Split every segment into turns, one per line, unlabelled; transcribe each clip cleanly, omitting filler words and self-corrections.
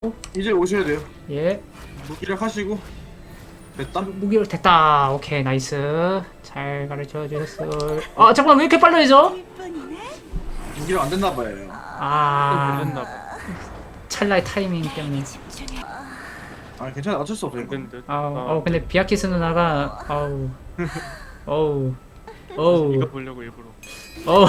이제 오셔야 돼요.
예.
무기력 하시고 됐다.
무기로 됐다. 오케이, 나이스. 잘 가르쳐 주셨어. 아, 잠깐만, 왜 이렇게 빨라져?
무기력 안 됐나 봐요.
아,
걸렸나 봐.
찰나의 타이밍 때문에.
아 괜찮아, 어쩔 수 없어.
된 듯.
근데 비아키스 누나가, 어우,
이거 보려고 일부러.
어우.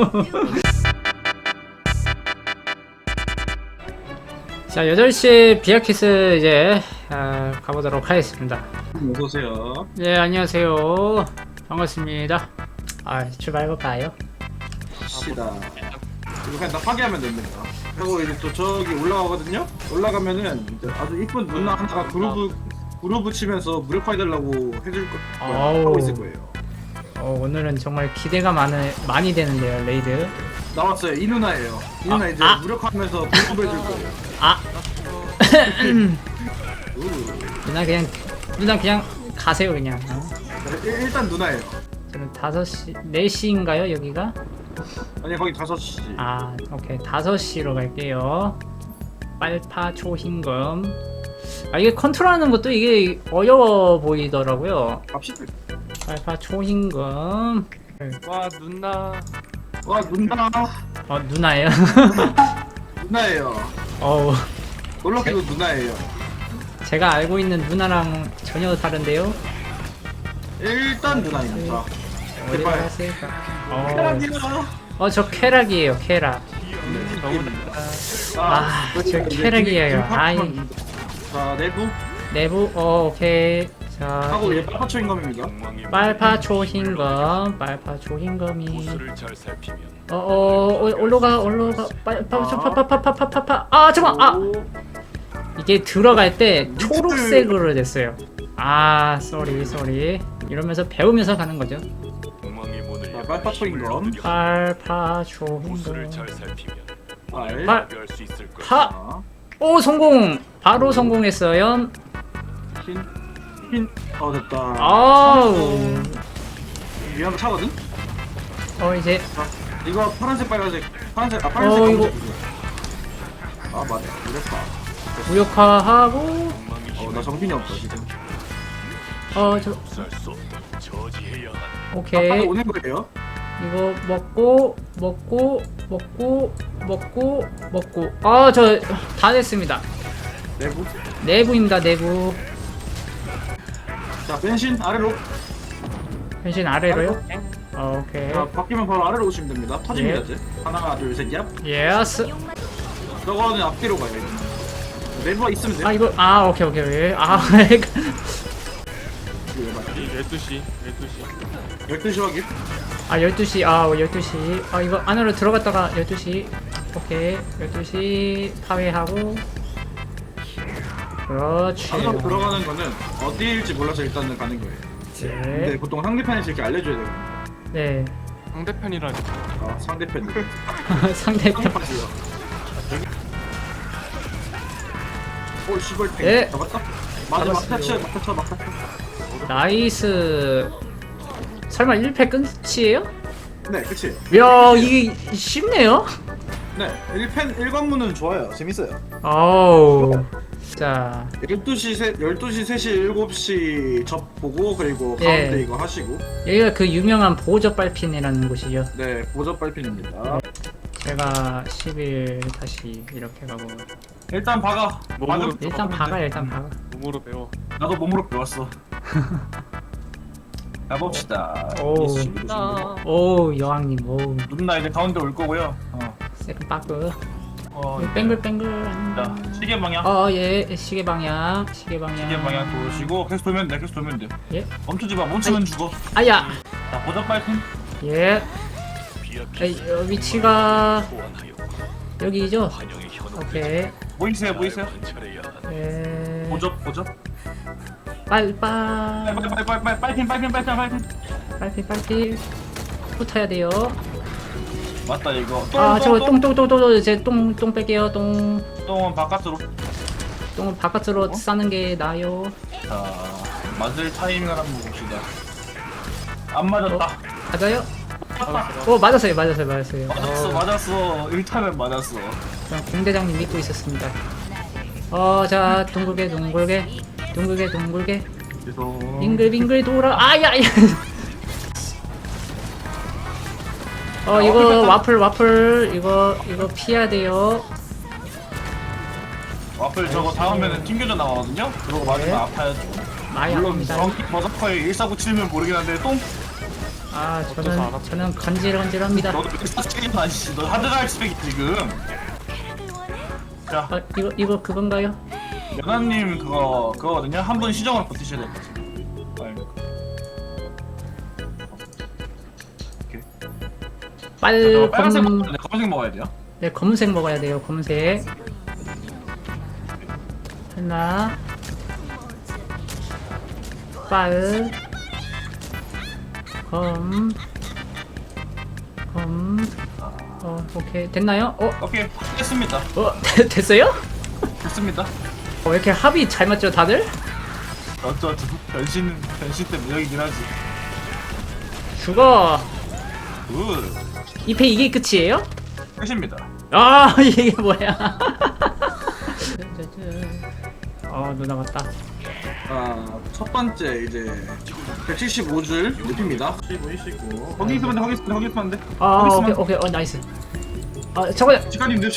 자, 8시 비아키스 이제 가보도록 하겠습니다.
어서 오세요.
네, 안녕하세요. 반갑습니다. 출발해볼까요?
시다. 이거 그냥 다 파괴하면 됩니다. 그리고 이제 또 저기 올라가거든요. 올라가면은 이제 아주 이쁜 누나 하나가 그루브 치면서 무력화해달라고 해줄 거 하고 있을 거예요.
오늘은 정말 기대가 많이 되는데요, 레이드.
나왔어요. 이 누나예요. 이 누나 이제 무력화하면서 그루브 해줄 거예요.
누나 그냥 가세요, 그냥.
일단 누나예요.
저는 5시, 4시인가요, 여기가?
아니 거기 5시.
오케이. 5시로 갈게요. 빨파 초흰검. 이게 컨트롤하는 것도 이게 어려워 보이더라고요.
갑시다.
빨파 초흰검.
와 누나.
와 누나.
누나예요?
누나예요.
어우,
놀랍게도 누나예요.
제가 알고 있는 누나랑 전혀 다른데요?
일단 누나입니다.
어디
제발.
갔을까?
쾌락이야.
저 쾌락이에요, 쾌락.
너무
저 쾌락이에요.
자
내부, 오케이. 자,
하고 이제 빨파초인 겁니다.
빨파 초흰검, 올라가, 파파파파파파파. 잠깐만, 이게 들어갈 때 초록색으로 됐어요. 쏘리. 이러면서 배우면서 가는 거죠.
자, 빨파초인 검.
빨파 초흰검.
파.
성공! 바로 성공했어요.
됐다. 위험한 차거든.
이제
이거 파란색 빨간색
이거-
검색. 맞아. 이랬다.
무력화하고,
나 정신이 없어 지금.
오케이.
오는 거예요.
이거 먹고. 저 다 됐습니다.
내부.
내부입니다, 내부.
자 변신 아래로.
변신 아래로요? 오케이.
자 바뀌면 바로 아래로 오시면 됩니다. 터집니다 이제. 하나 둘 셋 얍.
예스.
저거는 앞뒤로 가요. 이제. 내부가 있으면 돼.
오케이.
이거 왜 맞지?
12시.
12시 확인.
12시. 12시. 이거 안으로 들어갔다가 12시. 오케이. 12시 파괴하고. 그렇지.
안으로 들어가는 거는 어디일지 몰라서 일단은 가는 거예요. 근데
네.
보통 상대편에서 이렇게 알려줘야 되거든요.
네.
상대편이라니.
상대편.
상대편.
상대편이요. 시벌 탱.
네.
잡았다? 맞아,
잡았어요.
막타쳐.
나이스. 설마 1패 끝이에요?
네, 그치.
이야, 이게 쉽네요?
네, 1관문은 좋아요. 재밌어요.
자,
12시, 3시, 7시 접 보고, 그리고
예.
가운데 이거 하시고.
여기가 그 유명한 보조 빨핀이라는 곳이죠.
네, 보접 빨핀입니다.
제가 10일 다시 이렇게 가고.
일단 박아.
몸으로
일단 박아.
몸으로 배워.
나도 몸으로 배웠어. 가봅시다.
오, 여왕님,
누나 이제 가운데 올 거고요.
세컨 빠그.
네.
뱅글뱅글.
자, 시계 방향.
예, 시계 방향.
시계 방향 도시고 계속 돌면 돼.
예.
멈추지 마. 멈추면 죽어.
아야.
자, 보접 빨핀.
예. 위치가 여기죠? 오케이.
보이세요?
예.
보접.
빨빨.
빨핀.
빨리 붙어야 돼요.
맞다 이거.
저거 제 똥 뺄게요. 똥은
똥은 바깥으로.
바깥으로 싸는 게 나아요.
자, 맞을 타이밍을 한번 봅시다. 안 맞았다.
맞아요? 맞았어요.
맞았어. 1타면 맞았어.
그냥 공대장님 믿고 있었습니다. 자 둥글게 둥글게
그래서
빙글빙글 돌아. 아야. 이거 와플 이거 피해야 돼요.
와플 저거 닿으면 튕겨져 나가거든요. 그러고 맞으면
네.
아파요.
많이
물론
아픕니다.
정확히 버서커의 1497면 모르긴 한데 똥
어째서 안 아프지?
저는 간질간질합니다.
너도 1497이 아니지. 너 하드갈 스펙이 지금. 자,
이거 그건가요?
연하님 그거거든요. 한 분 시정을 버티셔야 될 것 같아요.
빨
빨간색
검.
먹어야 돼. 검은색 먹어야 돼요.
네, 검은색 먹어야 돼요. 검은색. 하나. 빨. 검. 오케이. 됐나요?
오케이, 됐습니다.
됐어요?
됐습니다.
왜 이렇게 합이 잘 맞죠, 다들?
어쩌죠. 변신 때 무력이긴 하지.
죽어.
굿.
이게 끝이에요?
끝입니다.
아, 이게 뭐야? 누나 왔다.
첫 번째 이제 175줄 눕힙니다. 15이시고 거기 있으면 돼, 거기 있으면 안 돼.
오케이, 나이스. 저거,
시간인데.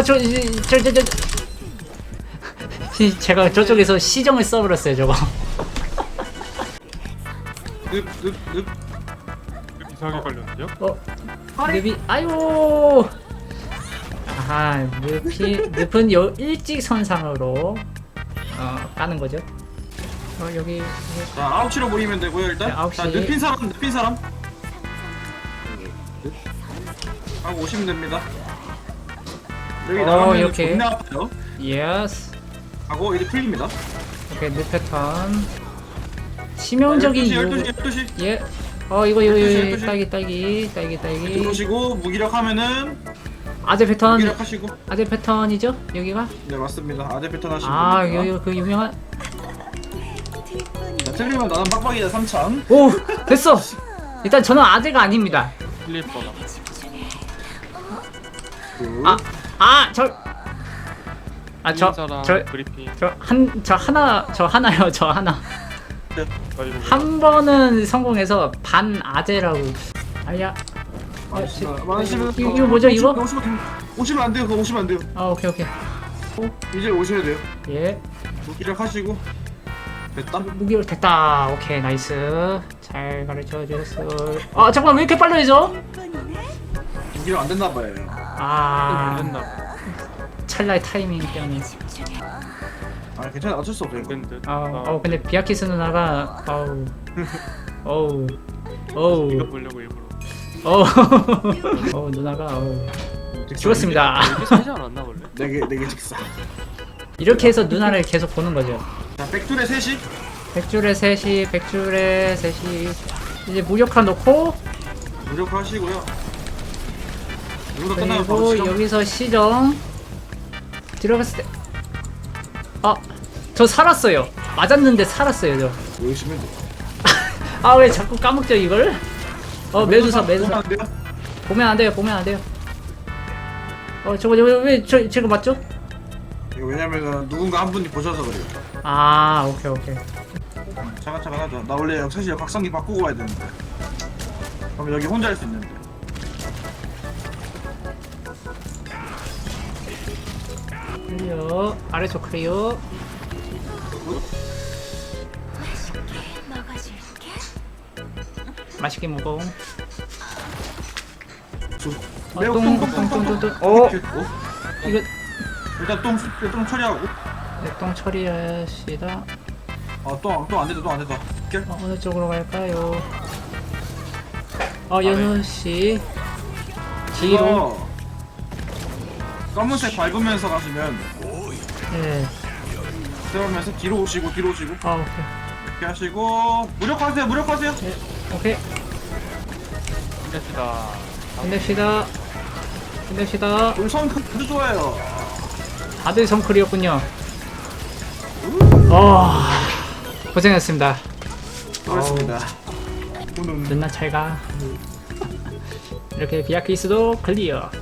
제가 저쪽에서 시정을 써버렸어요, 저거.
늪.
이상하게 걸렸는데요?
늪이, 아유! 아하, 늪은 일직선상으로, 까는 거죠. 여기.
자, 9시로 모이면 되고요, 일단.
네, 9시.
자, 눕힌 사람. 하고 오시면 됩니다. 여기 나가면
이렇게.
존나 아파요.
예스.
하고 이제 풀립니다.
오케이, 늪 패턴. 치명적인
12시.
예. 이거
12시.
딸기.
들어오시고 무기력하면
아재 패턴.
무기력하시고.
아재 패턴이죠? 여기가?
네, 맞습니다. 아재 패턴 하시면 됩니다.
여기 그 유명한.
자, 틀리면 나는 빡빡이다 3000.
오, 됐어. 일단 저는 아재가 아닙니다.
플리퍼가.
저
브리핑.
하나요. 저 하나. 한 번은 성공해서 반 아재라고. 아야. 이거 뭐죠, 이거?
오시면 안 돼요. 그거 오시면 안 돼요.
오케이.
이제 오셔야 돼요.
예.
무기력 하시고. 됐다.
무기력 됐다. 오케이, 나이스. 잘 가르쳐 주셨어. 잠깐만, 왜 이렇게 빨라져?
무기력 안 됐나 봐요.
걸렸나 봐.
찰나의 타이밍 때문에.
괜찮아. 어쩔 수 없어요.
된 듯.
근데 비아키스 누나가 어우
이거 보려고 일부러.
누나가 죽었습니다.
이게 사지 않았나 원래?
4개 직사.
이렇게 해서 누나를 계속 보는 거죠.
자, 백줄에 3시.
백줄에 셋이 이제 무력화 넣고,
무력 하시고요. 이거 끝나면 바로
그리고
시정.
여기서 시정 들어갔을 때 저 살았어요. 맞았는데 살았어요. 저.
오시면 돼요.
왜 자꾸 까먹죠 이걸? 매두사
보면 안 돼요?
보면 안 돼요. 저거 왜 제가 맞죠?
이거 왜냐면은 누군가 한 분이 보셔서 그래요.
오케이.
차근 하자. 나 원래 사실 각성기 바꾸고 와야 되는데. 그럼 여기 혼자 할 수 있는데.
클리어. 아래쪽 클리어. 맛있게 먹어.
매우
똥. 이거
일단 똥 처리하고.
똥 처리하시다.
똥 안 된다.
어느 쪽으로 갈까요? 연우 씨 뒤로.
검은색 밟으면서 가시면
네.
들어오면서 뒤로 오시고.
오케이.
이렇게 하시고 무력하세요.
네. 오케이. 끝냅시다.
울성 아주 좋아요.
다들 성클이었군요. 고생했습니다.
그렇습니다.
누나 잘가. 이렇게 비아키스도 클리어.